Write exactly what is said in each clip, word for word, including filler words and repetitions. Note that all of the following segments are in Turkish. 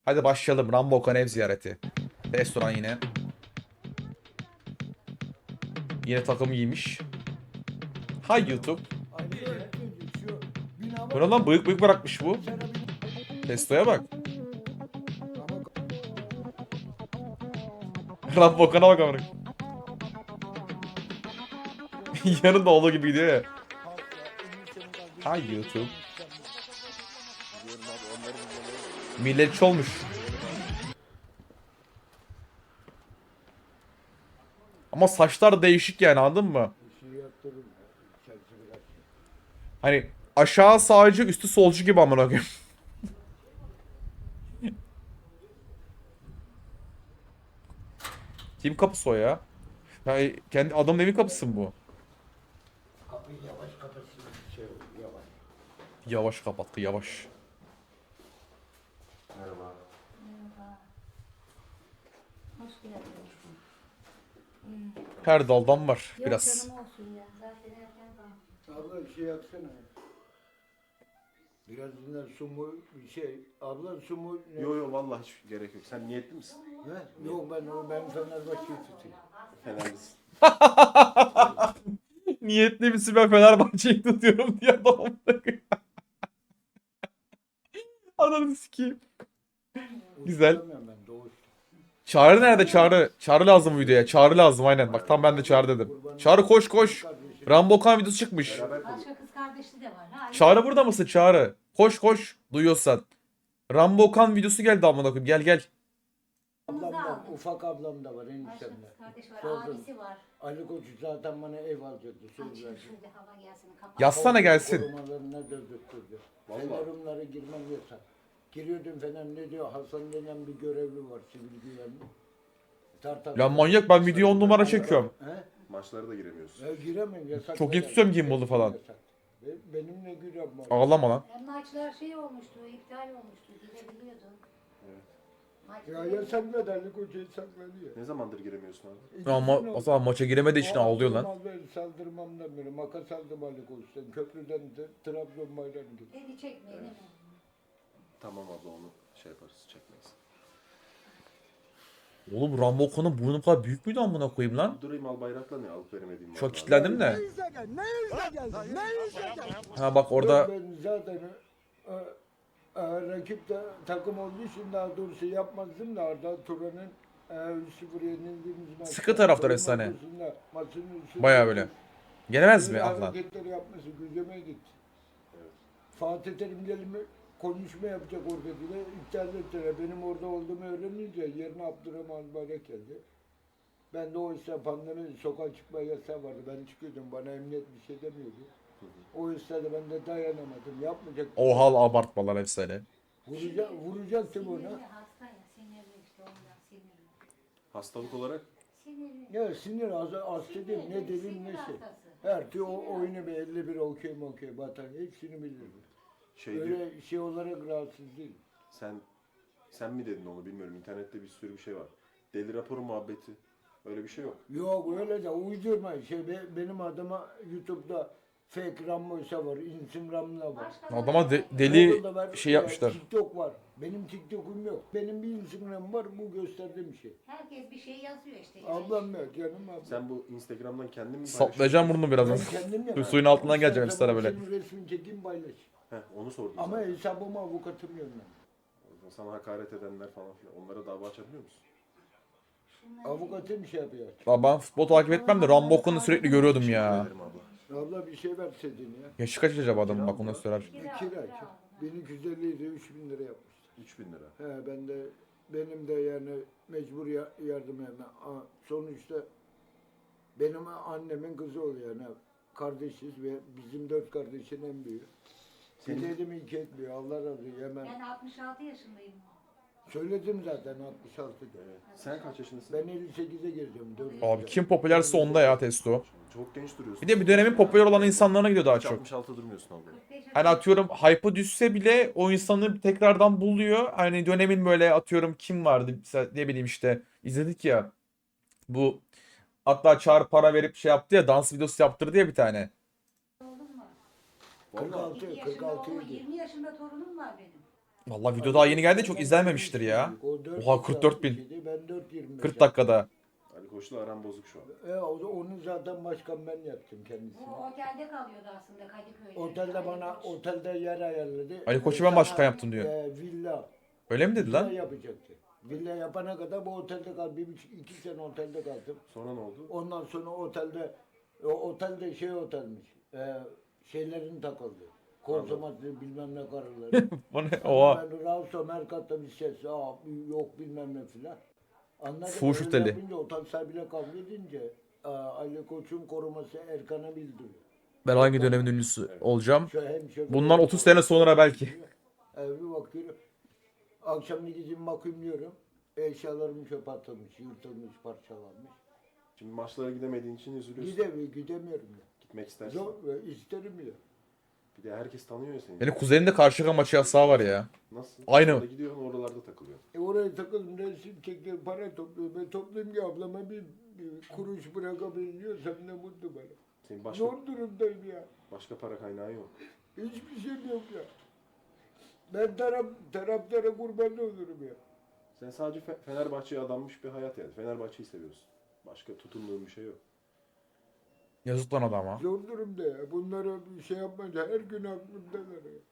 Hadi başlayalım. Rambo Okan ev ziyareti. Restoran yine. Yine takım giymiş. Hay YouTube. Bu ne lan, bıyık bıyık bırakmış bu. Testo'ya bak. Rambo Okan'a bak amına. Yanında olduğu gibi gidiyor ya. Hay YouTube. Milletçi olmuş. Ama saçlar değişik yani, anladın mı? Hani aşağı sağcı, üstü solcu gibi amına koyayım. Kim kapısı o ya? Yani kendi adamın evin kapısı mı bu? Kapıyı yavaş kapatsın. Şey olur, yavaş. Yavaş kapattı, yavaş. Merhaba. Merhaba. Hoş geldin. Her daldan var Yok biraz. canım olsun ya. Zaten erken kalktım. Abla bir şey yapsana. Biraz dinler su mu bir şey. Abla su mu ne? Yo yo vallahi hiç gerek yok. Sen niyetli misin? He? Yok ben onu ben Fenerbahçe'yi tutayım. Fenerlisin. Niyetli misin, ben Fenerbahçe'yi tutuyorum diye adam. Ananı sikeyim. Güzel. Unutamıyorum ben doğuş. Çağrı nerede, Çağrı? Çağrı lazım bu videoya. Çağrı lazım aynen. Bak tam ben de Çağrı dedim. Çağrı koş koş. Rambo Okan videosu çıkmış. Beraber konuş. Başka kız kardeşli de var. Ha, Çağrı burada mısın Çağrı? Koş koş. Duyuyorsan. Rambo Okan videosu geldi amına koyayım. Gel gel. Ablam da, ufak ablam da var Başka eniştemde. kız kardeş var. Sordum. Abisi var. Ali Koç zaten bana ev alacaktı. Söz Açın verdi. şurada hava gelsin. Kapat. Yazsana gelsin. Korumalarına dövdürttürdü. Vallahi. Fenerumlara girmem yasak. Giriyordum Fener ne diyor? Hasan denen bir görevli var sivil güvenlik. Tartar. Lan manyak, ben video on numara çekiyorum. He? Maçlara da giremiyorsun. Ya giremem yasak. Çok Fener. yetişiyorum gimbal'ı falan. Yasak. Be- Benimle girem var. Ağlama lan. Hem maçlar şey olmuştu, iptal olmuştu. Gidebiliyordun. Evet. Maç Ya yasakladı Ali Koç yasakladı ya. Ne zamandır giremiyorsun abi? İkisini Ama oldu. o zaman maça giremediği için ağlıyor lan. Aldırmam ben, saldırmamdan beri makas aldım Ali Koç'tan. Köprüden de Trabzon bayrağını getirdim. Eli çekmeyin değil mi? Tamam abla onu şey yaparız çekmeyiz. Oğlum Rambo Okan'ın burnu bu kadar büyük müydü amına koyayım lan? Durayım al bayrakla ne alıp veremediğim var. Çok abi. kitlendim de. Ne yüze gel, ne yüze geldin, ne yüze geldin. Ha bak orada Yok, ben zaten e, e, rakip de takım olduğu için daha doğrusu yapmazdım da Arda Turan'ın e, üç sıfır yenildiğimiz maçta. Sıkı taraftar oyun efsane. ortasında maçın üstünde- bayağı böyle. Gelemez mi Böyle Ahlan? hareketleri yapması güceme gitti. Fatih Terim gelimi konuşma yapacak orada bile iptal ettiler. Benim orada olduğumu öğrenince yerine Abdurrahman Bayrak geldi. Ben de o işte pandemi sokağa çıkma yasağı vardı. Ben çıkıyordum. Bana emniyet bir şey demiyordu. O yüzden de ben de dayanamadım. Yapmayacaktım. Oha abartmalar efsane. Vuracak, vuracaktım Sinirli ona. hasta ya. Sinirli işte ondan sinirli. Hastalık olarak Sinirli. Ya sinir az, az dedim ne dedim Sinir neyse. hastası. Her türlü o oyunu bir elli bir okey mi okey batan hepsini bilirdim. şey diyor. Öyle şey olarak rahatsız değil. Sen sen mi dedin onu bilmiyorum. İnternette bir sürü bir şey var. Deli raporu muhabbeti. Öyle bir şey yok. Yok öyle de uydurma. Şey, be- benim adıma YouTube'da fake Rambo'ysa var, Instagram'da var. Başka Adama de- da- deli Google'da var, şey e, yapmışlar. TikTok var. Benim TikTok'um yok. Benim bir Instagram'ım var, bu gösterdiğim şey. Herkes bir şey yazıyor işte. yani. Ablam yok, canım ablam. Sen bu Instagram'dan kendin mi Saplayacağım burnunu Ben birazdan. kendim Şu yapıyorum. suyun altından geleceğim İstersen üstlere böyle. Senin resmini çekeyim paylaş. Heh, onu sordum Ama zaten. hesabıma avukatım yönlendim. Sana hakaret edenler falan filan. Onlara dava açabiliyor musun? Avukatım şey yapıyor. Ya ben futbol takip etmem de Rambo Okan'ı sürekli görüyordum ya. Ederim abla. Abla bir şey verseydin ya. Yaşı kaç acaba adamın, bak onu söyler. Bir kira. bin iki yüz elli idi, üç bin lira yapmıştı. üç bin lira. He ben de benim de yani mecbur ya- yardım yani. A- Sonuçta benim annemin kızı oluyor yani. Kardeşiz ve bizim dört kardeşin en büyüğü. Bir Senin- dedim iki etmiyor. Allah razı olsun hemen. Ben altmış altı yaşındayım. Söyledim zaten altmış altıda. Evet. Sen kaç yaşındasın? Ben elli sekize gireceğim. dört Abi kim popülerse onda ya Testo. Çok genç duruyorsun. Bir de bir dönemin popüler olan insanlarına gidiyor daha Hiç çok. altmış altı durmuyorsun abla. Hani atıyorum hype'ı düşse bile o insanı tekrardan buluyor. Hani dönemin böyle atıyorum kim vardı mesela, ne bileyim işte izledik ya. Bu hatta Çağrı para verip şey yaptı ya, dans videosu yaptırdı ya bir tane. Oğlum var. kırk Vallahi. altı, İki kırk yaşında altı oğlum, idi. yirmi yaşında torunum var benim. Vallahi video daha yeni geldi, çok izlenmemiştir ya. O dört Oha, kırk dört bin. kişiydi, ben dört yirmi beş kırk dakikada. Ali Koç'la aram bozuk şu an. E, o- onu zaten başkan ben yaptım kendisine. Bu otelde kalıyordu aslında Kadıköy'de. Otelde Ali bana Koç. otelde yer ayarladı. Ali Koç'u E, ben başkan sana, yaptım diyor. E, villa. Öyle mi dedi Villa lan? yapacaktı. Villa yapana kadar bu otelde kaldım. Bir buçuk, iki sene otelde kaldım. Sonra ne oldu? Ondan sonra otelde, o otelde şey otelmiş. E, şeylerin takıldı. Konsomatri bilmem ne karıları. O ne? Oha. Ben Ravso Merkat'ta bir ses, aa, yok bilmem ne filan. Anladım. Fuhuş Öyle oteli. yapınca, otel sahibiyle kavga edince aa, Ali Koç'un koruması Erkan'a bildiriyor. Ben hangi dönemin ünlüsü olacağım? Şu hem şoför- Bundan otuz sene sonra belki. Ee, bir bakıyorum. Akşam gideceğim bakayım diyorum. Eşyalarım çöpe atılmış, yırtılmış, parçalanmış. Şimdi maçlara gidemediğin için üzülüyorsun. Gidemiyorum, gidemiyorum ya. Gitmek istersin. Zor, e, isterim ya. Bir de herkes tanıyor ya seni. Benim kuzenimde Karşıyaka maçı yasağı var ya. Nasıl? Aynı. Maçlara gidiyorsun oralarda takılıyorsun. E oraya takıldım, resim çektim, para topluyorum. Ben toplayayım ki ablama bir, bir kuruş bırakabiliyorsam ne mutlu bana. Senin başka Zor durumdayım ya. başka para kaynağı yok. Hiçbir şeyim yok ya. Ben taraf, taraftara kurban olurum ya. Sen sadece Fe- Fenerbahçe'ye adanmış bir hayat yani. Fenerbahçe'yi seviyorsun. Başka tutunduğun bir şey yok. Yazık lan adama. Zor durumda ya. Bunlara bir şey yapmayınca her gün aklımdalar ya.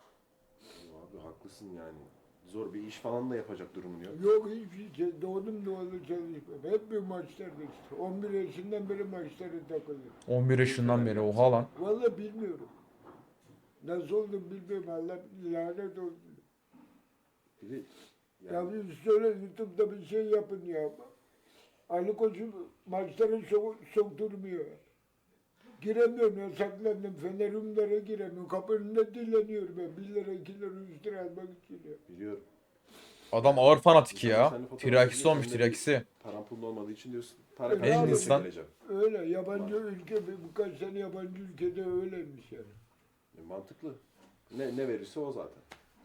Abi haklısın yani. Zor bir iş falan da yapacak durumun yok. Yok hiçbir şey. Doğdum doğalı çalışmam. Hep bir maçlarda işte. on bir yaşından beri maçlara takılıyorum. on bir yaşından beri, oha lan. Vallahi bilmiyorum. Nasıl oldum bilmiyorum. Allah lanet olsun. Bir de Ya yani bir söyle YouTube'da bir şey yapın ya. Ali Koç'u maçlara sok sokturmuyor. Giremiyorum ya, saklandım. Fenerimlere giremiyorum. Kapının önünde dileniyorum ben. Bir lira, iki lira, üç lira almak için ya. biliyorum. Adam ağır fanatik ya. Sen de fotoğraf Tirakisi çekiyorsun, olmuş, sen de tirakisi. Paran pulun olmadığı için diyorsun. Para En kazanmak için insan- geleceğim. Öyle. Yabancı ülke, bir- birkaç tane yabancı ülkede öyleymiş yani. E, mantıklı. Ne, ne verirse o zaten.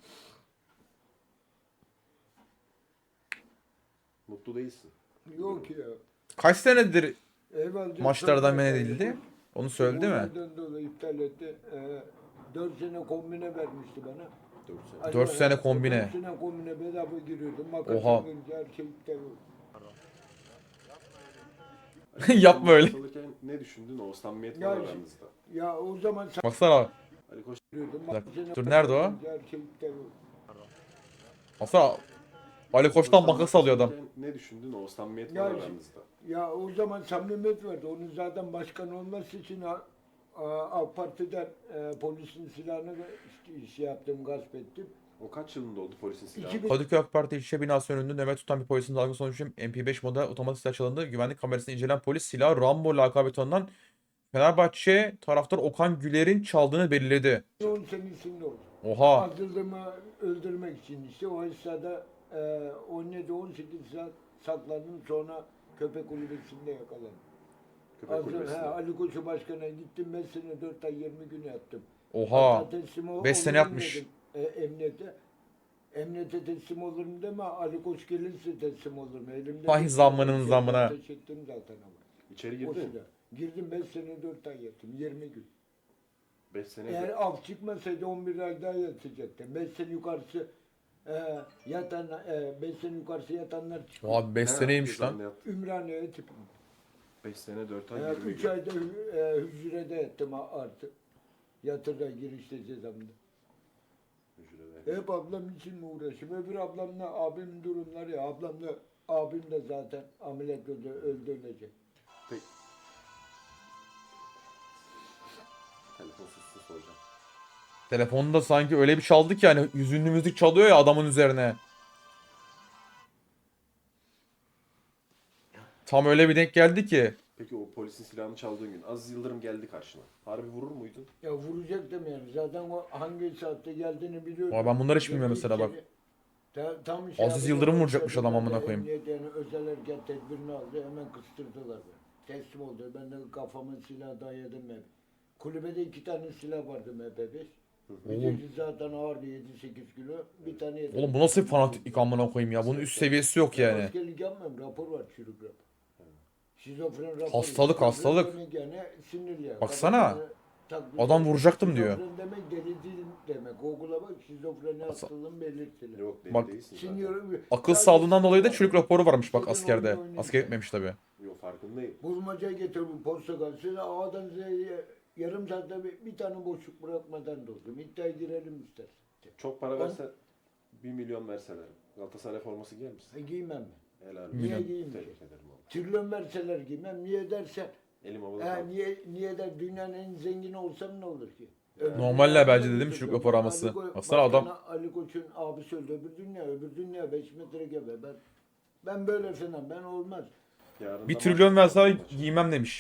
Mutlu değilsin. Yok ya. Kaç senedir Eyvallah. maçlardan men edildi? Onu söyledi mi? Bunlardan dolayı iptal etti. Ee, dört sene kombine vermişti bana. dört sene. Ali- Dört sene kombine. Dört sene kombine bedava giriyordum. Makas Oha. alınca her şey iptal oldu. Yapma öyle. Çalışırken ne düşündün o samimiyet Ya var şimdi- aranızda? Ya o zaman Baksana. Ali Koç giriyordum. Bir dakika. Makas Dur, nerede o? alınca Her şey iptal oldu. Baksana. Ali Koç'tan makas alıyor adam. çalışırken ne düşündün o samimiyet Ya var şimdi- aranızda? Ya o zaman samimiyet vardı. Onun zaten başkan olması için A- A- AK Parti'den e, polisin silahını işte, şey yaptım, gasp ettim. O kaç yılında oldu polisin silahı? iki bin Kadıköy AK Parti ilçe binası önünde nöbet tutan bir polisin dalga sonucu M P beş model otomatik silah çalındı. Güvenlik kamerasını incelen polis silahı Rambo lakabı tanınan Fenerbahçe taraftar Okan Güler'in çaldığını belirledi. on senesinde oldu. Oha. Atıldığımı öldürmek için işte o esnada e, on yedi on sekiz saat saklandım, sonra köpek kulübesinde yakalandım. Köpek Azır, he, kulübesinde. Ali Koçu başkana gittim, beş sene dört ay yirmi gün yattım. Oha. Hatta teslim ol- beş sene olurum yatmış. dedim, e, emniyete. Emniyete teslim olurum deme, Ali Koç gelirse teslim olurum. Elimde Vay bir zammının şey zammına. ateş ettim zaten ama. İçeri O girdin. silah. Girdim, beş sene dört ay yattım, yirmi gün. beş sene. Eğer af çıkmasaydı on bir ay daha yatacaktım. beş sene yukarısı e, yatan, beş sene yukarısı yatanlar çıktı. Oha beş seneymiş lan. Ümraniye'ye tipim. beş sene dört ay Evet, yirmi üç gün. ayda hü- e, hücrede yattım a- artık. Yatırda girişte cezamda. Hücrede. Hep ablam için mi uğraşıyorum? Öbür ablamla abim durumları ya. Ablam da abim de zaten ameliyat öldü, öldü ölecek. Peki. Telefonsuz sus soracağım. Telefonda sanki öyle bir çaldı ki hani hüzünlü müzik çalıyor ya adamın üzerine. Tam öyle bir denk geldi ki. Peki o polisin silahını çaldığın gün Aziz Yıldırım geldi karşına. Harbi vurur muydun? Ya vuracaktım yani. Zaten o hangi saatte geldiğini biliyorum. Vay, ben bunları hiç bilmiyorum İlk mesela bak. seni- Ta- tam Aziz yapacak Yıldırım olsa vuracakmış adam amına ben de koyayım. emniyet Yani özel harekat tedbirini aldı. Hemen kıstırdılar beni. Teslim oldu. Ben de kafama silah dayadım hep. Kulübede iki tane silah vardı M P beş. Birisi zaten ağırdı, yedi sekiz kilo. Bir tane yedi. Oğlum bu nasıl bir fanatiklik amına koyayım ya. Bunun üst seviyesi yok Ben yani. askerlik yapmıyorum. Rapor var, çürük rapor. Şizofren raporu. Hastalık, Şizofren hastalık. demek Yani sinirli ya. Baksana. Kafasında taklit Adam ediyor. vuracaktım diyor. Şizofren demek deli değil demek. Google'a bak şizofreni hastalığın belirtileri. Yok deli Bak, değilsin zaten. Sinir, Akıl sadece sağlığından dolayı da sinir çürük var. raporu varmış bak İstediğin askerde. oyunu oynuyor. Asker etmemiş tabii. Yok farkındayım. Bulmaca getir bu portakal. Size A'dan Z'ye yarım saatte bir, bir tane boşluk bırakmadan doldum. İddiaya girelim istersen. Çok para Ben- versen bir milyon verseler Galatasaray forması giyer misin? E, giymem mi? Helal Niye olsun. giyeyim ki? Tebrik ederim abi. Trilyon verseler giymem. Niye dersen? Elim havada E, kaldı. niye, niye der dünyanın en zengini olsam ne olur ki? Normaller bence de değil mi çocuk Öbür rapor alması? Ali Ko- Baksana adam- Başkan Ali Koç'un abisi öldü. Öbür dünya, öbür dünya beş metre gebe. Ben, ben böyle falan, ben olmaz. Yarın Bir da trilyon maç- verseler maç. giymem demiş.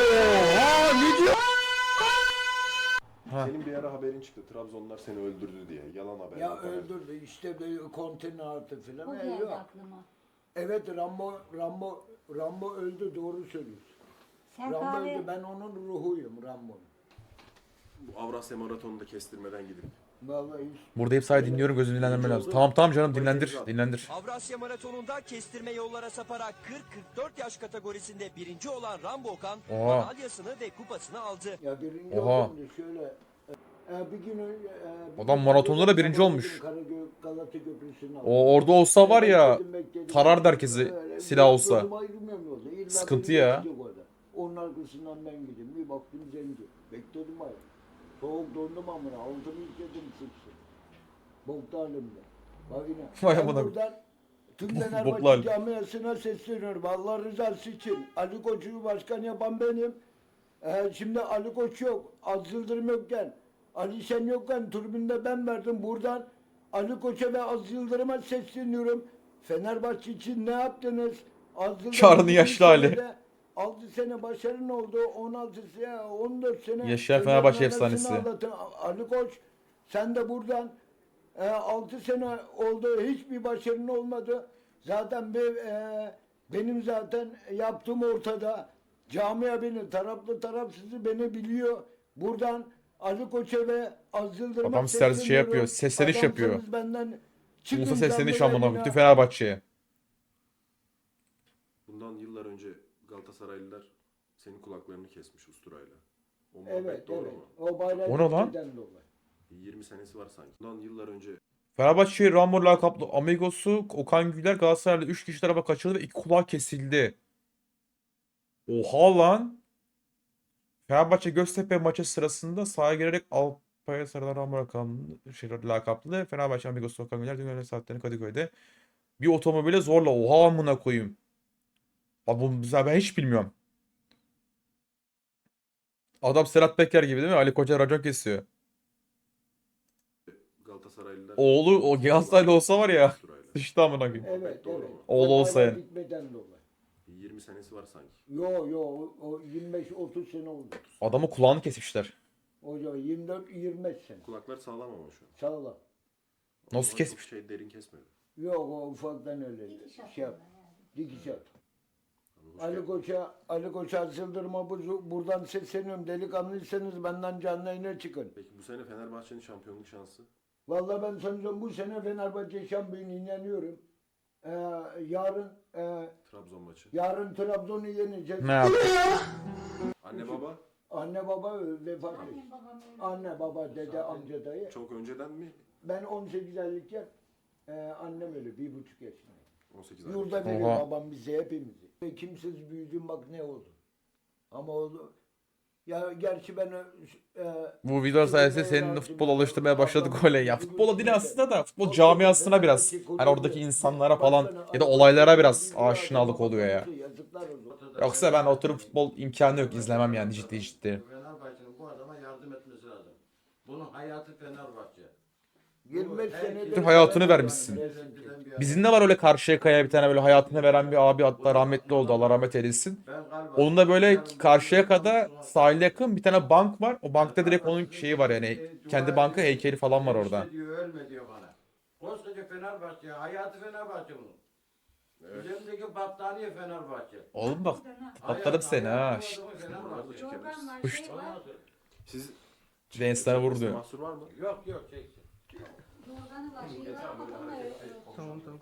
Ha. Senin bir ara haberin çıktı. Trabzonlar seni öldürdü diye. Yalan haber. Ya yok haber. öldürdü işte böyle konteyner artı O falan. E, geldi yok. aklıma. Evet Rambo, Rambo, Rambo öldü, doğru söylüyorsun. Sen Rambo kahve... öldü, ben onun ruhuyum Rambo'nun. Bu Avrasya Maratonu'nda kestirmeden gidip. Vallahi hiç. Burada hep sadece dinliyorum, gözünü dinlendirmen lazım. Tamam tamam canım, dinlendir dinlendir. Avrasya Maratonu'nda kestirme yollara saparak kırk kırk dört yaş kategorisinde birinci olan Rambo Okan Oha. madalyasını ve kupasını aldı. Ya birinci Oha. oldum da şöyle. E, bir gün ö- e, bir Adam gün maratonda da birinci sabah olmuş. gittim, Karagöl Galata Köprüsü'nün altına. O orada olsa var ya, Bekledim, bekledim. tarardı herkesi Öyle silah olsa. gözüm ayrılmıyor yolda. İlla Sıkıntı beni ya. geçecek orada. Onun arkasından ben gideyim. Bir baktım zenci. Bekledim ayrı. Soğuk dondum amına. Altımı yıkadım sıçtı. Bokta halimde. Bak yine. Vay Ben amına. buradan tüm Boklu Fenerbahçe hal. camiasına sesleniyorum. Allah rızası için. Ali Koç'u başkan yapan benim. Ee, şimdi Ali Koç yok. Az Yıldırım yokken. Ali Şen yokken tribünde ben verdim. Buradan Ali Koç'a ve Az Yıldırım'a sesleniyorum. Fenerbahçe için ne yaptınız? Az Yıldırım Çağrı'nın bir yaşlı hali. senede altı sene başarın oldu. on altı sene, on dört sene. Yaşayan Fenerbahçe Fenerbahçe efsanesi. ağlatın. Ali Koç sen de buradan e, altı sene oldu. Hiçbir başarın olmadı. Zaten bir, e, benim zaten yaptığım ortada. Camia beni, taraflı tarafsızı beni biliyor. Buradan Ali Koç'a ve Az Yıldırım'a Adam servis şey sesleniyorum. yapıyor, sesleniş yapıyor. Adamsanız benden çıkın Musa sesleniş canlı amına yayına. bütün Fenerbahçe'ye. Bundan yıllar önce Galatasaraylılar senin kulaklarını kesmiş usturayla. O muhabbet Evet, doğru evet. mu? O bayrak O ne lan? ülkeden dolayı. Bir yirmi senesi var sanki. Bundan yıllar önce Fenerbahçe Rambo lakaplı Amigos'u Okan Güler Galatasaray'da üç kişi tarafa kaçırdı ve iki kulağı kesildi. Oha lan. Fenerbahçe Göztepe maçı sırasında sahaya girerek Alpaya sarılan Rambo lakaplı, şey, lakaplı Fenerbahçe Amigos'u Okan Güler dün öğlen saatlerinde Kadıköy'de bir otomobile zorla, oha amına koyayım. Abi bu mesela ben hiç bilmiyorum. Adam Serhat Peker gibi değil mi? Ali Koç'a racon kesiyor. Galatasaraylılar Oğlu o Galatasaraylı olsa var ya. usturayla. Sıçtı amına koyayım. Evet, Doğru evet. mu? Oğlu O olsa bayrak yani. gitmeden dolayı. Bir yirmi senesi var sanki. Yo yo o, o yirmi beş otuz sene oldu. Adamı kulağını kesmişler. Hocam yirmi dört yirmi beş sene. Kulaklar sağlam ama şu an. Sağ ol. Nasıl Ama kesmiş? Çok şey derin kesmedi. Yok o ufaktan öyle. Dikiş Şey yap. atıyorlar yani. Dikiş at. Abi hoş Ali geldin. Koç'a, Ali Koç'a Yıldırım'a bu- buradan sesleniyorum. Delikanlıysanız benden canlı yayına çıkın. Peki bu sene Fenerbahçe'nin şampiyonluk şansı? Vallahi ben sanıyorum bu sene Fenerbahçe şampiyonu inanıyorum. Ee, yarın e, Trabzon maçı. yarın Trabzon'u yeneceğiz. Ne yaptı? Anne baba Anne baba vefat etti. Annem babam öyle. Anne baba dede amca dayı. çok önceden mi? Ben on sekiz aylıkken e, annem öyle bir buçuk yaşında. on sekiz aylık. Yurda veriyor Oha. babam bize hepimizi. Ve kimsiz büyüdüm bak ne oldu. Ama oldu. Ya gerçi ben e, Bu video sayesinde senin futbol alıştırmaya başladık öyle ya. Futbola değil aslında da futbol camiasına biraz. Hani oradaki insanlara falan ya da olaylara biraz aşinalık oluyor ya. Yazıklar olsun. Yoksa ben oturup futbol imkanı yok, izlemem yani ciddi ciddi. Fenerbahçe'nin bu adama yardım etmesi lazım. Bunun hayatı Fenerbahçe. yirmi beş senedir Bütün hayatını vermişsin. Bizim de var öyle Karşıyaka'ya bir tane böyle hayatını veren bir abi, hatta rahmetli oldu, Allah rahmet eylesin. Ben galiba Onun da böyle Karşıyaka'da sahile yakın bir tane bank var. O bankta direkt onun şeyi var yani. Kendi banka heykeli falan var orada. İşte diyor, ölme diyor bana. Koskoca Fenerbahçe, hayatı Fenerbahçe bunun. Üzerimdeki battaniye Fenerbahçe. Oğlum bak Hayatı- patladım seni ha. hayatı Şşt. bu adamın Fenerbahçe. Çorban var, Puşt. şey var. Siz Reisler vurdu. çekmesine mahsur var mı? Yok yok çeksin. Yorganı var, şey var. Kafamda yok. Tamam tamam.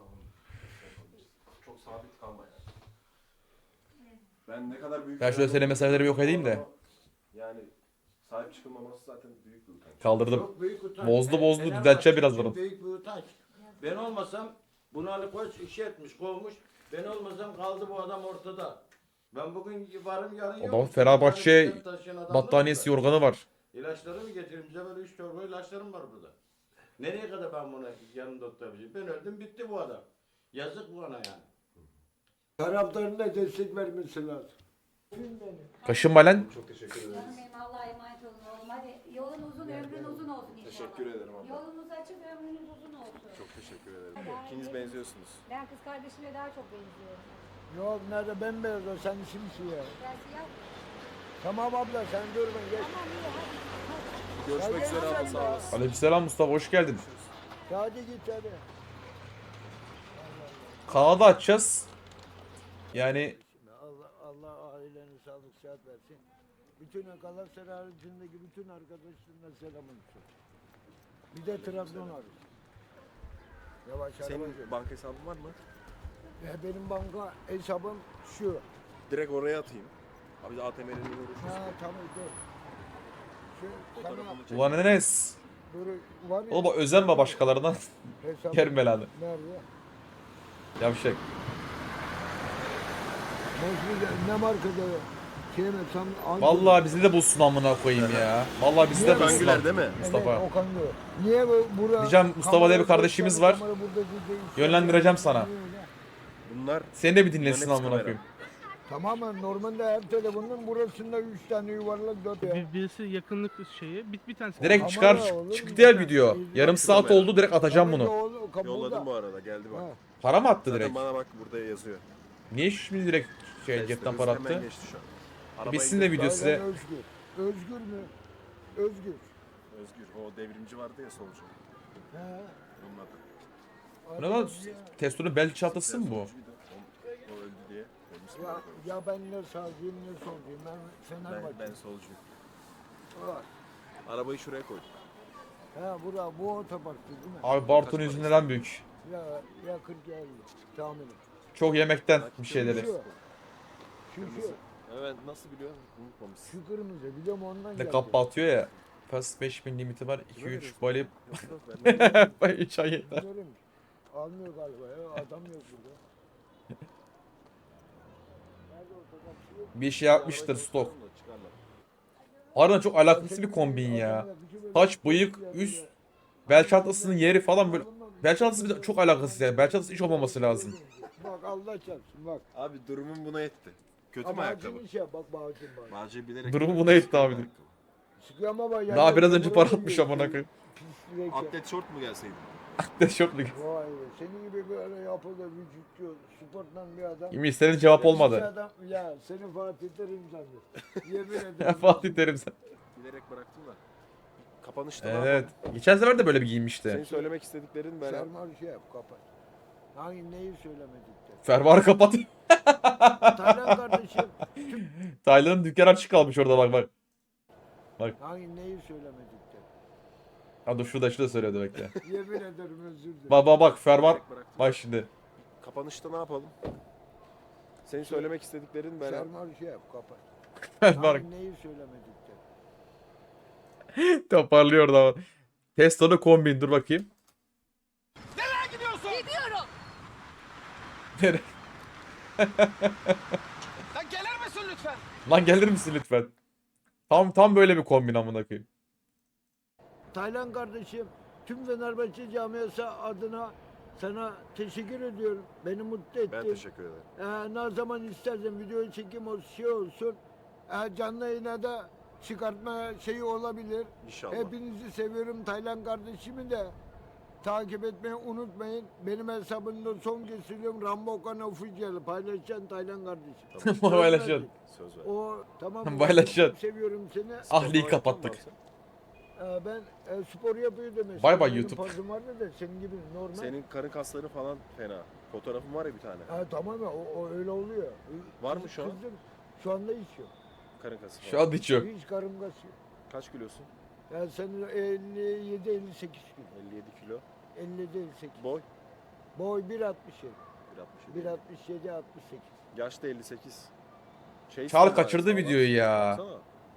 Çok sabit kalma ya. Ben ne kadar büyük Ben şöyle senin meseleleri bir yok edeyim de. Yani Sahip çıkılmaması zaten büyük bir utanç. Kaldırdım. Çok büyük utanç. Bozdu, Fe- bozdu, Fenerbahçe düzelteceğim için birazdan. Büyük bir utanç. Ben olmasam bunu Ali Koç işe etmiş, kovmuş. Ben olmasam kaldı bu adam ortada. Ben bugün varım yarın Adamın yok. Fenerbahçe Taşıyan adamlar battaniyesi, burada. yorganı var. İlaçları mı getireyim? Bize böyle üç torba ilaçlarım var burada. Nereye kadar ben buna yanımda tutabilirim? Ben öldüm bitti bu adam. Yazık bana yani. Taraftarın da destek vermesi lazım. Kaşınma lan. Çok teşekkür ederiz. Canım benim Allah'a emanet olun oğlum. Hadi yolun uzun, ömrün uzun olsun inşallah. Teşekkür ederim abla. Yolunuz açık, ömrünüz uzun olsun. Çok teşekkür ederim. İkiniz benziyorsunuz. Ben kız kardeşime daha çok benziyorum. Yok nerede bembeyaz o sen simsiyah. Ben siyah mıyım? Tamam abla sen durma geç. Tamam iyi hadi. Görüşmek üzere abla, sağ olasın. Aleykümselam Mustafa, hoş geldin. Hadi git hadi. Kanalı açacağız. Yani Allah, Allah ailene sağlık sıhhat versin. Bütün Galatasaray haricindeki bütün arkadaşlarına selam olsun. Bir de Trabzon hariç. Yavaş Senin arabacı. banka hesabın var mı? Ya benim banka hesabım şu. Direkt oraya atayım. Abi de A T M'lerin uğraşıyorsun. Ha tamam dur. Şu sana Fotoğrafını çek. ulan Enes. dur var ya. Oğlum bak özenme başkalarından. hesabım Yerim belanı. Nerede? Yavşak. Bozmuyor. Ne markada? Şey mi? Tam hangi- Vallahi bizi de bulsun amına koyayım ya. Vallahi bizi de Niye bulsun. Güler değil mi? Mustafa. Evet, Okan diyor. Niye bu bura? Diyeceğim, Mustafa diye bir kardeşimiz var. Kamera burada değil. Yönlendireceğim sana. Bunlar Seni de bir dinlesin Bunların hepsi amına kamera. koyayım. Tamamen normalde her telefonun burasında üç tane yuvarlak dört ya. Bir, birisi yakınlık şeyi, bir, bir tanesi. Direkt Kamera çıkar. oğlum, Çıktı bir ya tane. video. Yarım Bak, saat kamera. oldu, direkt atacağım bunu. yolladım bu arada, geldi bak. Ha. Para mı attı Zaten direkt? bana bak burada yazıyor. Niye şimdi direkt şey Test cepten hız para hemen attı? geçti şu an. Arabayı Bitsin de indir- video size. Özgür. Özgür mü? Özgür. Özgür, o devrimci vardı ya solcu. He. Onun adı. Ne lan? Testo'nun bel çantası mı bu? Solcuydu. O, o öldü diye. Ölmüş Ya, mü? ya ben ne sağcıyım ne solcuyum. Ben Ben, Fenerbahçe. ben solcuyum. Var. Arabayı şuraya koydum. He bura bu otoparktı değil mi? Abi Bartu'nun yüzünden en büyük. Ya, ya kırk elli tahminim. Çok yemekten bir şeyleri. Şu. Şu şu. Kırmızı. Evet, nasıl biliyorsun? Unutmamışsın. Şu kırmızı biliyorum ondan Ne geldi. kappa atıyor ya. Fast beş bin limiti var. iki Kime üç veriyorsun? bali. Yok, yok, ben de- Bay üç ay yeter. Biliyorum. Almıyor galiba ya adam yok burada. Nerede otoparkçı yok? Bir şey yapmıştır Arabayı stok. koyalım da çıkarlar. Harbiden çok alakasız bir kombin ya. Saç, bıyık, üst, bel çantasının yeri falan böyle. Bel çantası bir de çok alakasız yani. Bel çantası hiç olmaması lazım. Bak Allah çarpsın bak. Abi durumum buna etti. Kötü mü Ama ayakkabı? acın şey bak bağcın bak. Bağcı bilerek... Durumu buna etti abi. Sıkıyor ama bak. Daha biraz önce para atmış amına koyayım. Pislik ya. Atlet şort mu gelseydi? Ne şok mu? Vay be senin gibi böyle yapılı vücutlu sporttan bir adam. Yemin istediğin cevap Bir olmadı. Adam, ya seni Fatih Terim sandı. Yemin Ya ederim. Fatih Terim sen. Bilerek bıraktım da. Kapanışta ne Evet. yapalım? Geçen sefer de böyle bir Senin giyinmişti. söylemek istediklerin ben... Sermar şey yap kapat. Hangi neyi söylemedik de. Fermuarı kapat. Taylan kardeşim. Taylan'ın dükkanı açık kalmış orada bak bak. Hangi neyi söylemedik de. Ha dur şurada şurada söylüyordu bekle. Yemin ederim özür dilerim. Bak bak bak fermuar. Bilerek bıraktım. Bak şimdi. Kapanışta ne yapalım? Senin söylemek istediklerin ben... Sermar şey yap kapat. Fermuar Hangi neyi söylemedik de. toparlıyor da. Testo'da kombin dur bakayım. Gidiyorum. Nereye? Sen gelir misin lütfen? Lan gelir misin lütfen? Tam tam böyle bir kombin amına koyayım. Taylan kardeşim tüm Fenerbahçe camiası adına sana teşekkür ediyorum. Beni mutlu ettin. Ben teşekkür ederim. Ee, ne zaman istersen video çekim o şey olsun. Ee, canlı yayına da çıkartma şeyi olabilir. İnşallah. Hepinizi seviyorum. Taylan kardeşimi de takip etmeyi unutmayın. Benim hesabımda son kez söylüyorum. Rambo Okan Official paylaşacaksın Taylan kardeşim. Paylaşın. Söz ver. O tamam mı? Paylaşacaksın. Çok seviyorum seni. Ahli'yi Spor kapattık. yaptın mı Ee, ben e, spor yapıyordum mesela. Bay bay Benim YouTube. Fazım vardı da senin gibi normal. abi? Senin karın kasları falan fena. Fotoğrafın var ya bir tane. Ha, tamam ya o, o öyle oluyor. Var mı şu an? Kızım, şu anda hiç yok. Karın kası falan. Şu an hiç yok. Hiç karım gaz yok. Kaç kilosun? Yani senin elli yedi elli sekiz kilo. elli yedi kilo. elli yedi elli sekiz. Boy? Boy bir altmış yedi. bir altmış yedi. bir altmış yedi altmış sekiz. Yaş da elli sekiz. Şey Çağrı sen var, kaçırdı sağlam. videoyu ya. Baksana.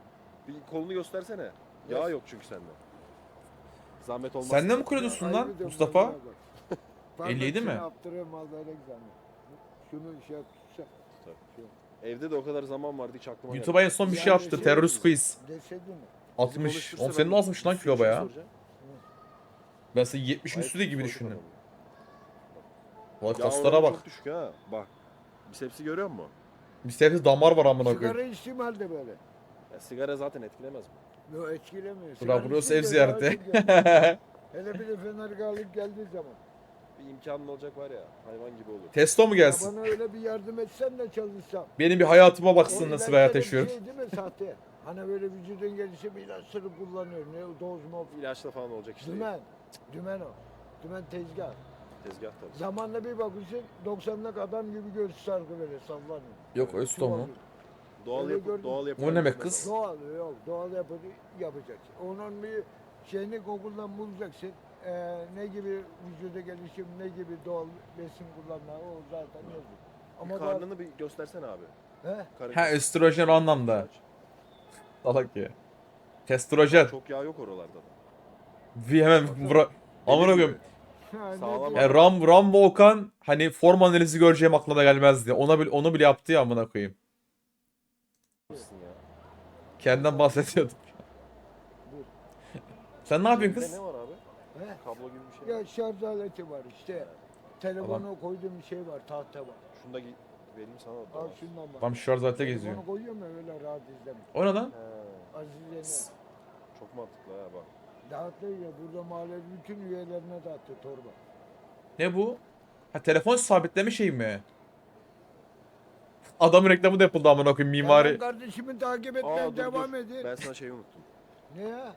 Bir kolunu göstersene. Yağ yok çünkü sende. Zahmet olmaz. Sen de mi kuruyordun lan Kaybediyorum Mustafa? vallahi bak. Parmak elli yedi mi? seni Abdurrahim al böyle zaman. Şunu şey yap tutsa. Evde de o kadar zaman vardı hiç aklıma YouTube'a en son bir şey Yani attı. şey- Terörist quiz. Deseydin mi? altmış. Oğlum senin azmış lan kilo baya. Ben seni yetmişin üstü gibi düşündüm. Vay Ya kaslara oranı bak. çok düşük ha. Bak. Bisepsi görüyor musun? Bir sebze damar var amına Sigara koyayım. içtiğim halde böyle. Ya sigara zaten etkilemez mi? Yok etkilemiyor. Bura Sigara burası ev içince daha ziyareti. çok yapıyor. Hele bir de fenergalık geldiği zaman. Bir imkanın olacak var ya. Hayvan gibi olur. Testo mu Ya gelsin? bana öyle bir yardım etsen de çalışsam. Benim bir hayatıma O baksın nasıl bir ilaçlar hayat hep yaşıyorum. Şey değil mi sahte? Hani böyle vücudun gelişi bir ilaçları kullanıyor. Ne doz mu? İlaçla falan olacak işte. Dümen. Dümen o. Dümen tezgah. Tezgah tabii. Zamanla bir bakıyorsun doksanlık adam gibi göğsü sargı böyle sallanıyor. Yok Östo mu? Doğal Öyle yapı, gördüm. doğal yapı. O ne demek kız? Doğal yok. Doğal yapı yapacaksın. Onun bir şeyini Google'dan bulacaksın. Ee, ne gibi vücuda gelişim, ne gibi doğal besin kullanma o zaten yazıyor. Ama Ama karnını bir göstersene abi. daha, he? Karın Ha östrojen o anlamda. Salak ya. Testosteron. Çok yağ yok oralarda da. Bir hemen vura... Amına koyayım. Ha, ne Sağlam diyor? Yani Ram, Rambo Okan hani form analizi göreceğim aklına gelmezdi. Ona bile, onu bile yaptı ya amına koyayım. Mısın ya? Kendinden bahsediyordum. Sen ne yapıyorsun Bizde kız? ne var abi? He? Kablo gibi bir şey. Ya şarj aleti var işte. Telefonu koyduğum şey var, tahta var. Şunu da gi- vereyim sana da. Al tamam. şundan bak. Tam şarj alete geziyor. Telefonu koyuyorum ya öyle rahat izlemiyor. O ne lan? He, Azize'ne. çok mantıklı ha bak. Dağıttı ya burada mahalle bütün üyelerine dağıttı torba. Ne bu? Ha telefon sabitleme şeyi mi? Adamın reklamı da yapıldı amına koyayım Ya mimari. ben kardeşimi takip Aa, etmeye dur, devam dur. edin. Ben sana şeyi unuttum. Ne ya?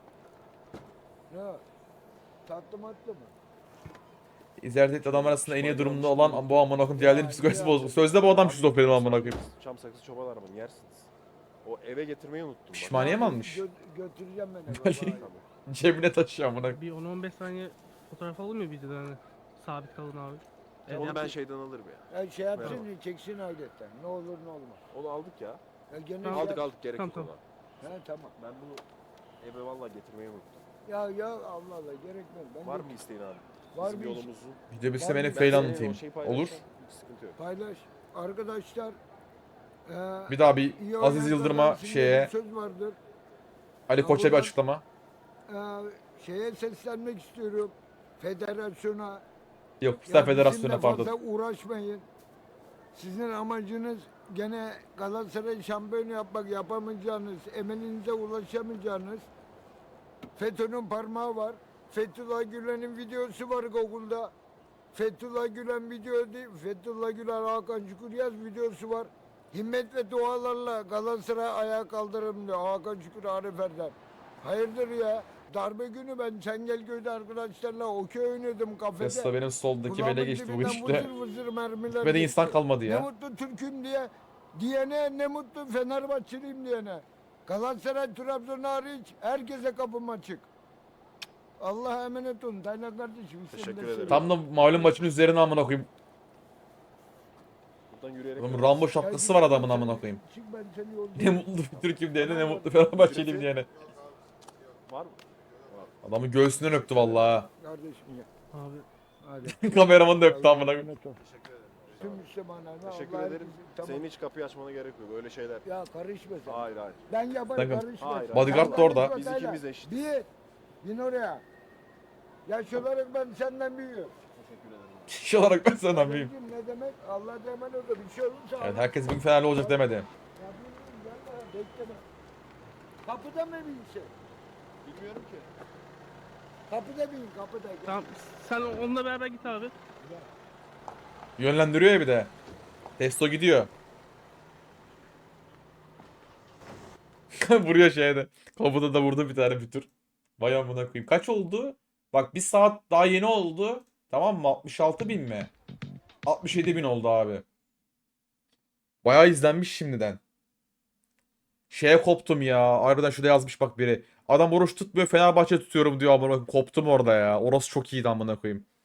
Ne? Tatlı matlı mı? İzlerit adam arasında en iyi durumda olan bu amına koyayım diğerlerinin psikolojisi bozuldu. Sözde bu adam şizofreni amına koyayım. Çam sakızı çoban arabanı yersiniz. O eve getirmeyi unuttum. bak. Pişmaniye mi almış? Gö- götüreceğim ben eve. Böyle- vay. Tamam. Cebine taşıyor amına koyayım. Bir on on beş saniye fotoğraf alınmıyor videoda hani. Sabit kalın abi. Evet, Onu ben yaptım. şeyden alırım ya. Ya şey yapsın Merhaba. diye çeksin ailetten. Ne olur ne olmaz. Onu aldık ya. Ya gene Tamam. Aldık ya- aldık gerek Tamam, yok tamam. ona. He tamam. Ben bunu eve vallahi getirmeyi unuttum. Ya ya Allah Allah gerekmez. Ben Var de- mı isteğin abi? Var Bizim bir iş. yolumuzu. Video bitse Var benim mı? fail senin anlatayım. o şeyi Olur. paylaşacağım, hiç sıkıntı yok. Paylaş. Arkadaşlar eee, Bir daha bir iyi Aziz oynayan Yıldırım'a kazansın diye şeye bir söz vardır. Ali Koç'a bir buradan- açıklama. Eee, şeye seslenmek istiyorum. Federasyona. Yok Star Ya Federasyonu'na bizimle pardon. fazla uğraşmayın. Sizin amacınız gene Galatasaray şampiyon yapmak, yapamayacağınız, emelinize ulaşamayacağınız. FETÖ'nün parmağı var. Fethullah Gülen'in videosu var Google'da. Fethullah Gülen video değil, Fethullah Gülen Hakan Şükür videosu var. Himmet ve dualarla Galatasaray ayağa kaldırırım diyor Hakan Şükür Arif Erdem. Hayırdır ya? Darbe günü ben Çengelköy'de arkadaşlarla okey oynadım kafede. Tesla benim soldaki Kulağımın bele geçti bugün dibinden işte. vızır vızır mermiler Gitmeden insan geçti. kalmadı Ne ya. mutlu Türk'üm diye diyene, ne mutlu Fenerbahçeliyim diyene. Galatasaray, Trabzon hariç herkese kapım açık. Allah'a emanet olun. Taylan kardeşim. Teşekkür seni de ederim. seviyorum. Tam da malum maçın üzerine amına koyayım. Buradan yürüyerek Adamın gidiyoruz. Rambo şapkası var adamın amına koyayım. Çık ben seni yolda- Ne mutlu Türk'üm diyene ne mutlu Fenerbahçeliyim diyene. Var mı? Adamın göğsünden öptü vallahi. Kardeşim ya. Abi Hadi. Kameraman da öptü Allah'a amına koyayım. emanet ol. Tüm Müslümanlarına Teşekkür Allah'a ederim. herkese- Tamam. Senin hiç kapıyı açmana gerek yok. Öyle şeyler. Ya karışma sen. Hayır hayır. Ben yaparım Sakın. karışma. Hayır, sen. Bodyguard Sen da orada. karışma Biz Taylan. ikimiz eşit. Bir. Bin oraya. Yaş olarak ben senden büyüğüm. Teşekkür ederim. Kişi olarak ben senden büyüğüm. Kardeşim ne demek? Allah'a emanet ol. Bir şey olursa Evet Allah- herkes bir Fenerli olacak demedi. Ya bilmiyorum, gel bana, bekleme. Kapıda mı bir şey? Bilmiyorum ki. Kapıda bin, kapıda. Gel. tamam sen onunla beraber git abi. Yönlendiriyor ya bir de. Testo gidiyor. Vuruyor şeyde. Kapıda da vurdu bir tane bir tur. Vay amına koyayım. Kaç oldu? Bak bir saat daha yeni oldu. Tamam mı? altmış altı bin mi? altmış yedi bin oldu abi. Bayağı izlenmiş şimdiden. Şeye koptum ya. Harbiden şurada yazmış bak biri. Adam oruç tutmuyor Fenerbahçe tutuyorum diyor amına koyayım. Koptum orada ya. Orası çok iyiydi amına koyayım.